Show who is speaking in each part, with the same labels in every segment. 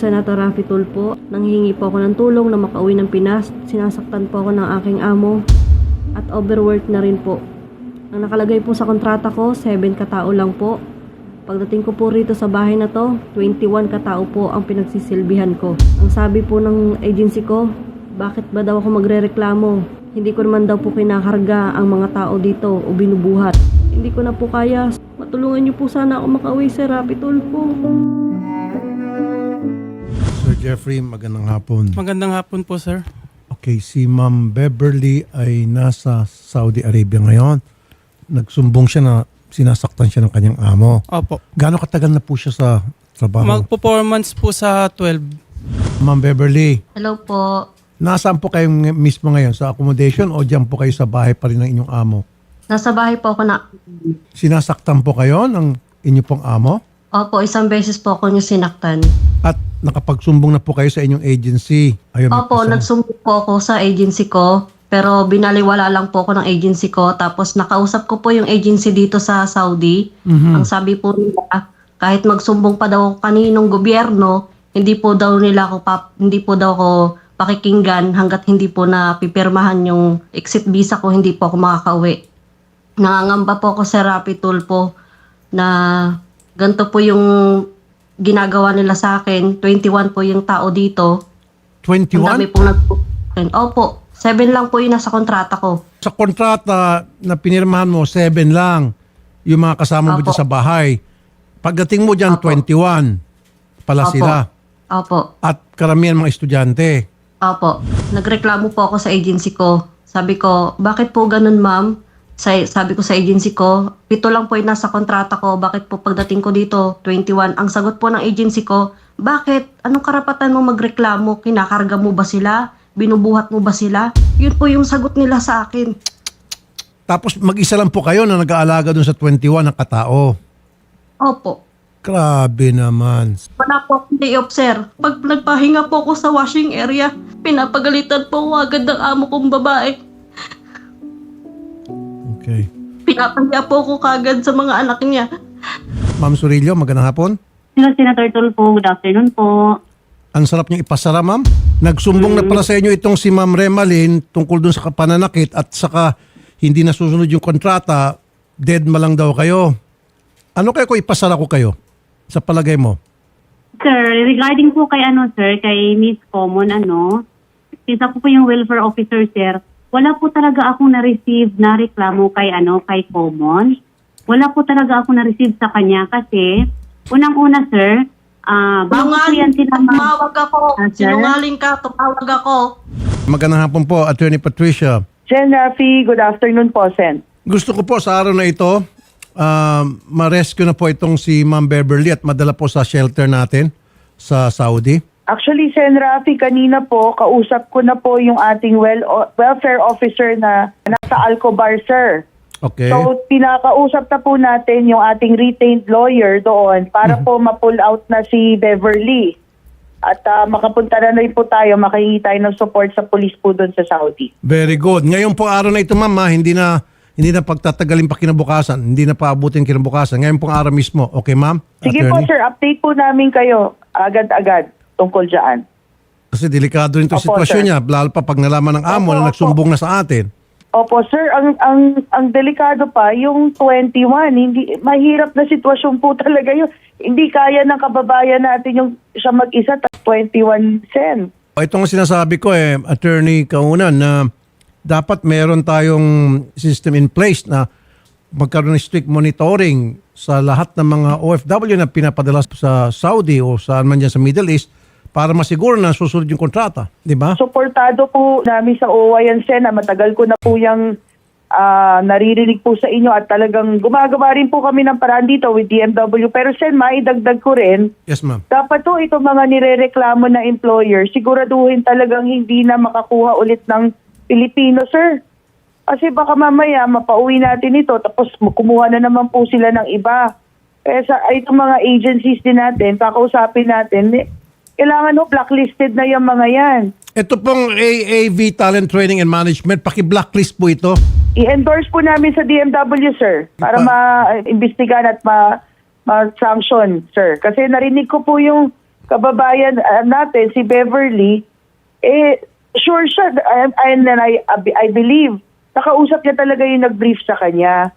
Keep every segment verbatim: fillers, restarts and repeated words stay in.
Speaker 1: Senator Raffy Tulfo. Nanghihingi po ako ng tulong na makauwi ng Pinas. Sinasaktan po ako ng aking amo at overwork na rin po. Ang nakalagay po sa kontrata ko, seven katao lang po. Pagdating ko po rito sa bahay na to, twenty-one katao po ang pinagsisilbihan ko. Ang sabi po ng agency ko, bakit ba daw ako magrereklamo? Hindi ko naman daw po kinakarga ang mga tao dito o binubuhat. Hindi ko na po kaya. Matulungan niyo po sana ako makauwi, Sir Raffy Tulfo.
Speaker 2: Sir Jeffrey, magandang hapon.
Speaker 3: Magandang hapon po, sir.
Speaker 2: Okay, si Ma'am Beverly ay nasa Saudi Arabia ngayon. Nagsumbong siya na sinasaktan siya ng kanyang amo.
Speaker 3: Opo.
Speaker 2: Gaano katagal na po siya sa trabaho?
Speaker 3: Mag-performance po sa twelve.
Speaker 2: Ma'am Beverly,
Speaker 1: Hello po.
Speaker 2: nasaan po kayo ng- mismo ngayon? Sa accommodation o dyan po kayo sa bahay pa rin ng inyong amo?
Speaker 1: Nasa bahay po ako na...
Speaker 2: Sinasaktan po kayo ng inyong pong amo?
Speaker 1: Opo, isang beses po ako niyo sinaktan.
Speaker 2: At nakapagsumbong na po kayo sa inyong agency? Ayun, may
Speaker 1: Opo,
Speaker 2: kasama.
Speaker 1: nagsumbong po ako sa agency ko. Pero binaliwala lang po ako ng agency ko. Tapos nakausap ko po yung agency dito sa Saudi.
Speaker 2: Mhm.
Speaker 1: Ang sabi po nila, kahit magsumbong pa daw ako kaninong gobyerno, hindi po daw nila ako pap, hindi po daw ako pakikinggan hanggat hindi po na pipirmahan yung exit visa ko, hindi po ako makakauwi. Nangangamba po ako sa Raffy Tulfo na ganito po yung ginagawa nila sa akin. twenty-one po yung tao dito. Ang dami
Speaker 2: twenty-one?
Speaker 1: pong nag Opo, seven lang po yung nasa kontrata ko.
Speaker 2: Sa kontrata na pinirmahan mo, seven lang yung mga kasama mo
Speaker 1: Opo.
Speaker 2: dyan sa bahay. Pagdating mo dyan,
Speaker 1: Opo.
Speaker 2: twenty-one pala
Speaker 1: Opo.
Speaker 2: sila.
Speaker 1: Opo.
Speaker 2: At karamihan mga estudyante.
Speaker 1: Opo. Nagreklamo po ako sa agency ko. Sabi ko, bakit po ganun, ma'am? Sa, sabi ko sa agency ko, pito lang po yung nasa kontrata ko. Bakit po pagdating ko dito, twenty-one? Ang sagot po ng agency ko, bakit? Anong karapatan mo magreklamo? Kinakarga mo ba sila? Binubuhat mo ba sila? Yun po yung sagot nila sa akin.
Speaker 2: Tapos mag-isa lang po kayo na nag-aalaga dun sa twenty-one na katao.
Speaker 1: Opo.
Speaker 2: Grabe naman.
Speaker 1: Wala po akong day off, sir. Pag nagpahinga po ako sa washing area, pinapagalitan po ako agad ng amo kong babae.
Speaker 2: Okay.
Speaker 1: Pinapahiya po ako kagad sa mga anak niya.
Speaker 2: Ma'am Surillo, magandang hapon.
Speaker 4: Hello, Senator Tulfo. Good afternoon po.
Speaker 2: Ang sarap niyo ipasara, ma'am. Nagsumbong na pala sa inyo itong si Ma'am Remalyn tungkol dun sa pananakit at saka hindi nasusunod yung kontrata, dead ma lang daw kayo. Ano kaya ko ipasara ko kayo? Sa palagay mo?
Speaker 4: Sir, regarding po kay ano, sir, kay Miss Common, ano, since ako po yung welfare officer, sir, wala po talaga akong na-receive na reklamo kay ano, kay Common. Wala po talaga akong na-receive sa kanya kasi, unang-una, sir, ah, bago po yan sila ma-
Speaker 1: Tumawag ako.
Speaker 4: Ah, sir?
Speaker 1: Sinungaling ka, tumawag ako.
Speaker 2: Magandang hapon po, Attorney Patricia.
Speaker 5: Sen Raffy, good afternoon po, Sen.
Speaker 2: Gusto ko po sa araw na ito, um, ma-rescue na po itong si Ma'am Beverly at madala po sa shelter natin sa Saudi.
Speaker 5: Actually, Sen Raffy, kanina po, kausap ko na po yung ating well, welfare officer na nasa Alcobar, sir.
Speaker 2: Okay.
Speaker 5: So, pinakausap na po natin yung ating retained lawyer doon para po ma-pull out na si Beverly. At ah, makapunta na rin po tayo, makahingi tayo ng support sa police po doon sa Saudi.
Speaker 2: Very good. Ngayon po araw na ito, ma'am, ha, hindi na hindi na pagtatagalin pa kinabukasan, hindi na paabutin kinabukasan. Ngayon pong araw mismo. Okay, ma'am?
Speaker 5: Sige po, sir, update po namin kayo agad-agad tungkol dyan.
Speaker 2: Kasi delikado rin 'tong
Speaker 5: Opo,
Speaker 2: sitwasyon
Speaker 5: sir.
Speaker 2: niya, lalo pa pag nalaman ng amo
Speaker 5: Opo,
Speaker 2: na
Speaker 5: opo.
Speaker 2: nagsumbong na sa atin.
Speaker 5: Opo, sir, ang ang ang delikado pa yung twenty-one, hindi mahirap na sitwasyon po talaga yun. Hindi kaya ng kababayan natin yung siya mag-isa at twenty-one cent.
Speaker 2: O, ito nga sinasabi ko eh, Attorney Kaunan, na dapat meron tayong system in place na magkaroon ng strict monitoring sa lahat ng mga O F W na pinapadala sa Saudi o saan man dyan sa Middle East para masiguro na susunod yung kontrata. Di ba?
Speaker 5: Suportado po namin sa O W A yan, Sen, na matagal ko na po yung ah, naririnig po sa inyo at talagang gumagawa rin po kami ng paraan dito with D M W. Pero Sen, maidagdag ko rin,
Speaker 2: Yes, ma'am.
Speaker 5: dapat to itong mga nirereklamo na employer, siguraduhin talagang hindi na makakuha ulit ng Pilipino, sir. Kasi baka mamaya mapauwi natin ito tapos kumuha na naman po sila ng iba. Kaya sa itong mga agencies din natin, kakausapin natin, eh, kailangan ho, blacklisted na yung mga yan.
Speaker 2: Ito pong A A V Talent Training and Management, paki-blacklist po ito.
Speaker 5: I-endorse po namin sa D M W, sir, para
Speaker 2: Pa-
Speaker 5: ma-imbestigahan at ma- ma-sanction, sir. Kasi narinig ko po yung kababayan ah, natin, si Beverly, eh, sure siya, and, and then I, I believe, nakausap niya talaga yung nag-brief sa kanya.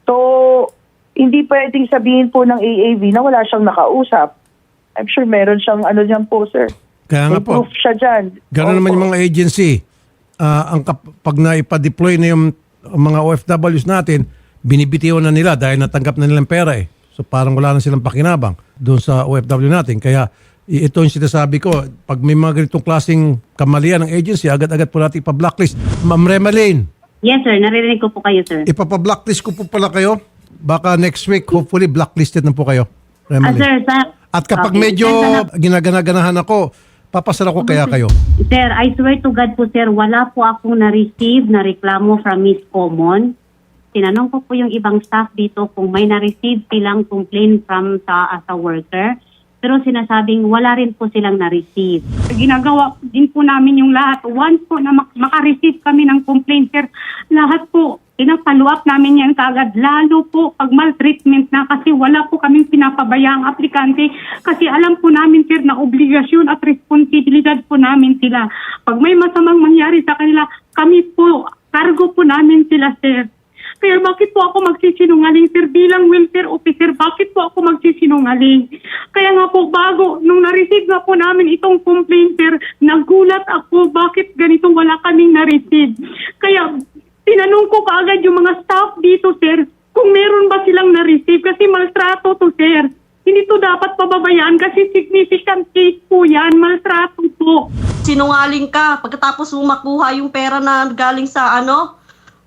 Speaker 5: So, hindi pwedeng sabihin po ng A A V na wala siyang nakausap. I'm sure meron siyang ano dyan po, sir.
Speaker 2: Kaya nga
Speaker 5: May
Speaker 2: po.
Speaker 5: proof siya dyan.
Speaker 2: Gano'n naman
Speaker 5: Opo.
Speaker 2: yung mga agency. Ah, ang kap- pag naipa-deploy na yung mga O F Ws natin, binibitiwan na nila dahil natanggap na nilang pera eh. So parang wala na silang pakinabang doon sa O F W natin. Kaya i- ito yung sinasabi ko, pag may mga ganitong klaseng kamalian ng agency, agad-agad po natin ipa-blacklist. Ma'am Remalyn,
Speaker 4: Yes, sir. Naririnig ko po kayo, sir.
Speaker 2: ipapa-blacklist ko po pala kayo. Baka next week, hopefully, blacklisted na po kayo.
Speaker 4: Ah,
Speaker 2: Remalyn.
Speaker 4: sir, sa...
Speaker 2: At kapag
Speaker 4: Okay.
Speaker 2: medyo
Speaker 4: Sir,
Speaker 2: ginagana-ganahan ako, papasara ko kaya kayo.
Speaker 4: Sir, I swear to God po, sir, wala po akong na-receive na reklamo from Miss Common. Tinanong ko po yung ibang staff dito kung may na-receive silang complaint from sa as a worker. Pero sinasabing wala rin po silang na-receive. Ginagawa din po namin yung lahat. Once po na mak- maka-receive kami ng complaint, sir, lahat po, pinapalo up namin yan kaagad. Lalo po pag maltreatment na kasi wala po kaming pinapabayaang aplikante. Kasi alam po namin, sir, na obligasyon at responsibilidad po namin sila. Pag may masamang mangyari sa kanila, kami po, cargo po namin sila, sir. Kaya bakit po ako magsisinungaling, sir, bilang welfare officer? Bakit po ako magsisinungaling? Kaya nga po, bago, nung na-receive na po namin itong complaint, sir, nagulat ako, bakit ganito wala kaming na-receive? Kaya, tinanong ko kaagad yung mga staff dito, sir, kung meron ba silang na-receive, kasi maltrato to, sir. Hindi to dapat pababayaan kasi significant case po yan, maltrato po.
Speaker 1: Sinungaling ka pagkatapos mo makuha yung pera na galing sa ano?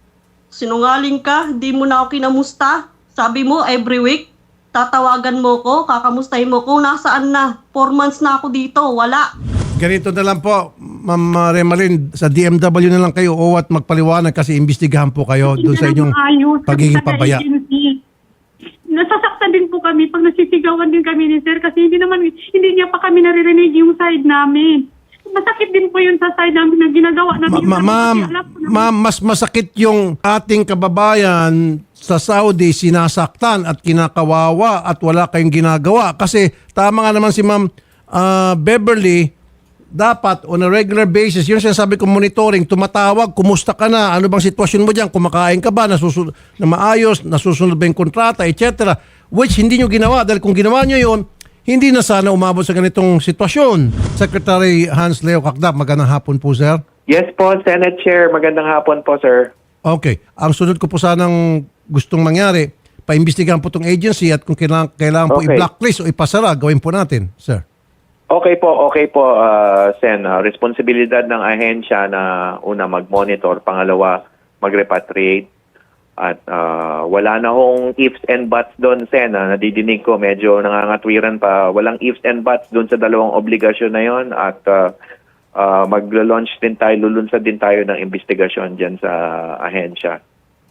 Speaker 1: Sinungaling ka, di mo na ako kinamusta. Sabi mo, every week, tatawagan mo ko, kakamustahin mo ko, nasaan na? Four months na ako dito, wala.
Speaker 2: Ganito na lang po, Ma'am Remalyn, sa D M W na lang kayo o at magpaliwanag kasi imbestigahan po kayo doon sa inyong
Speaker 4: Ayos,
Speaker 2: pagiging
Speaker 4: sa
Speaker 2: pabaya.
Speaker 4: agency. Nasasaktan din po kami pag nasisigawan din kami ni sir kasi hindi naman, hindi niya pa kami naririnig yung side namin. Masakit din po yun sa side namin na ginagawa namin.
Speaker 2: Ma- ma- ma'am, ma'am, mas masakit yung ating kababayan sa Saudi sinasaktan at kinakawawa at wala kayong ginagawa. Kasi tama nga naman si Ma'am ah, Beverly, dapat on a regular basis, yun sinasabi ko monitoring, tumatawag, kumusta ka na, ano bang sitwasyon mo dyan, kumakain ka ba, nasusunod, na maayos, nasusunod ba yung kontrata, et cetera. Which hindi nyo ginawa dahil kung ginawa nyo yun, hindi na sana umabot sa ganitong sitwasyon. Secretary Hans Leo Kakdak, magandang hapon po, sir.
Speaker 6: Yes po, Senate Chair. Magandang hapon po, sir.
Speaker 2: Okay. Ang sunod ko po sanang gustong mangyari, paimbestigahan po itong agency at kung kailangan, kailangan po
Speaker 6: Okay.
Speaker 2: i-blacklist o ipasara, gawin po natin, sir.
Speaker 6: Okay po, okay po, uh, Sen. Uh, responsibilidad ng ahensya na una mag-monitor, pangalawa mag-repatriate. At uh, wala na hong ifs and buts doon, Sen. Uh, nadidinig ko, medyo nangangatwiran pa. Walang ifs and buts doon sa dalawang obligasyon na yon. At uh, uh, mag-launch din tayo, lulunsad din tayo ng investigasyon dyan sa ahensya.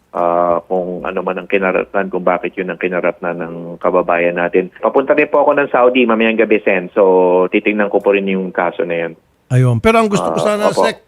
Speaker 6: Uh, kung ano man ang kinaratnan, kung bakit yun ang kinaratnan ng kababayan natin. Papunta rin po ako ng Saudi mamayang gabi, Sen. So, titingnan ko po rin yung kaso na yan.
Speaker 2: Ayun. Pero ang gusto ko
Speaker 6: Ah,
Speaker 2: sana,
Speaker 6: opo.
Speaker 2: Sec,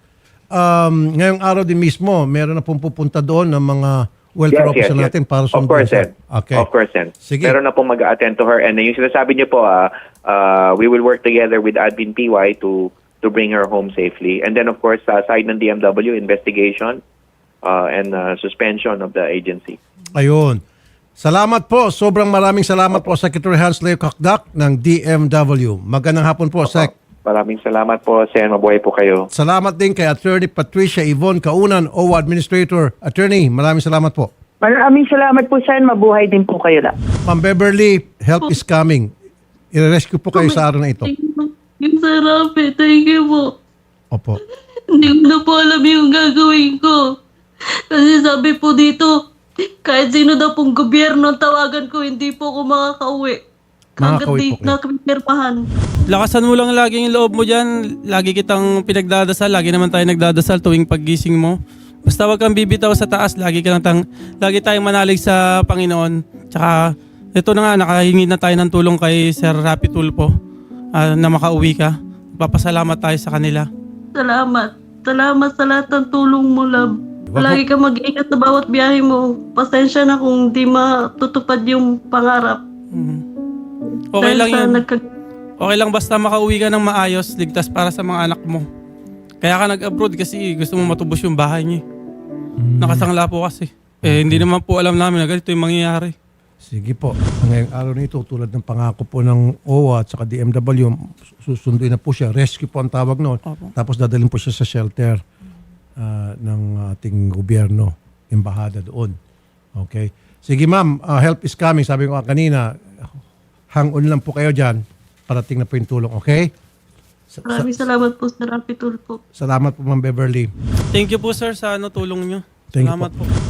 Speaker 2: um, ngayong araw din mismo, meron na pong pupunta doon ng mga welfare officer natin para
Speaker 6: Of
Speaker 2: sundin.
Speaker 6: course,
Speaker 2: sir.
Speaker 6: Sen.
Speaker 2: Okay.
Speaker 6: Of course, Sen.
Speaker 2: Sige.
Speaker 6: Meron na pong mag-attend to her. And yung sinasabi niyo po, ah, ah, we will work together with Admin P Y to to bring her home safely. And then, of course, sa side ng D M W, investigation uh, and uh, suspension of the agency.
Speaker 2: Ayun. Salamat po. Sobrang maraming salamat po, Secretary Hans Leo Kakdak ng D M W. Magandang hapon po, Sec.
Speaker 6: Maraming salamat po, Sen. Mabuhay po kayo.
Speaker 2: Salamat din kay Attorney Patricia Yvonne Kaunan, O W A Administrator. Attorney, maraming salamat po.
Speaker 5: Maraming salamat po, Sen. Mabuhay din po kayo lang.
Speaker 2: Ma'am Beverly, help is coming. I-rescue po kayo sa araw na ito.
Speaker 7: Yung sarap eh. Thank you po.
Speaker 2: Opo.
Speaker 7: Hindi ko na po alam yung gagawin ko. Kasi sabi po dito, kahit sino daw pong gobyerno ang tawagan ko, hindi po ako makakauwi. Hanggat
Speaker 2: Makakauwi
Speaker 7: di
Speaker 2: po kayo.
Speaker 7: nakapirmahan.
Speaker 3: Lakasan mo lang lagi yung loob mo dyan. Lagi kitang pinagdadasal. Lagi naman tayo nagdadasal tuwing paggising mo. Basta wag kang bibitaw sa taas. Lagi, ka natang, lagi tayong manalig sa Panginoon. Tsaka, ito na nga, nakahingi na tayo ng tulong kay Sir Rapi Tulfo ah, na makauwi ka. Papasalamat tayo sa kanila.
Speaker 7: Salamat. Salamat sa lahat ng tulong mo, love.
Speaker 2: Wag
Speaker 7: Lagi ka mag-ingat sa bawat biyahe mo. Pasensya na kung di matutupad yung pangarap.
Speaker 3: Mhm. Okay
Speaker 7: Dahil
Speaker 3: lang
Speaker 7: sa
Speaker 3: yun.
Speaker 7: nagka-
Speaker 3: Okay lang basta makauwi ka ng maayos, ligtas para sa mga anak mo. Kaya ka nag-abroad kasi gusto mo matubos yung bahay niya. Nakasangla po kasi. Eh, hindi naman po alam namin na ganito yung mangyayari.
Speaker 2: Sige po. Ngayong araw nito, tulad ng pangako po ng O W A at saka D M W, susunduin na po siya. Rescue po ang tawag noon.
Speaker 3: Opo.
Speaker 2: Tapos dadalhin po siya sa shelter ah, ng ating gobyerno, embahada doon. Okay. Sige ma'am, ah, help is coming. Sabi ko nga kanina, hang on lang po kayo dyan. Parating na po yung tulong, okay? Sa- sa-
Speaker 7: Maraming salamat po sa Rapi Tulfo.
Speaker 2: salamat po ma'am Beverly.
Speaker 3: Thank you po sir sa ano tulong nyo.
Speaker 2: Thank you
Speaker 3: Salamat
Speaker 2: po.
Speaker 3: po.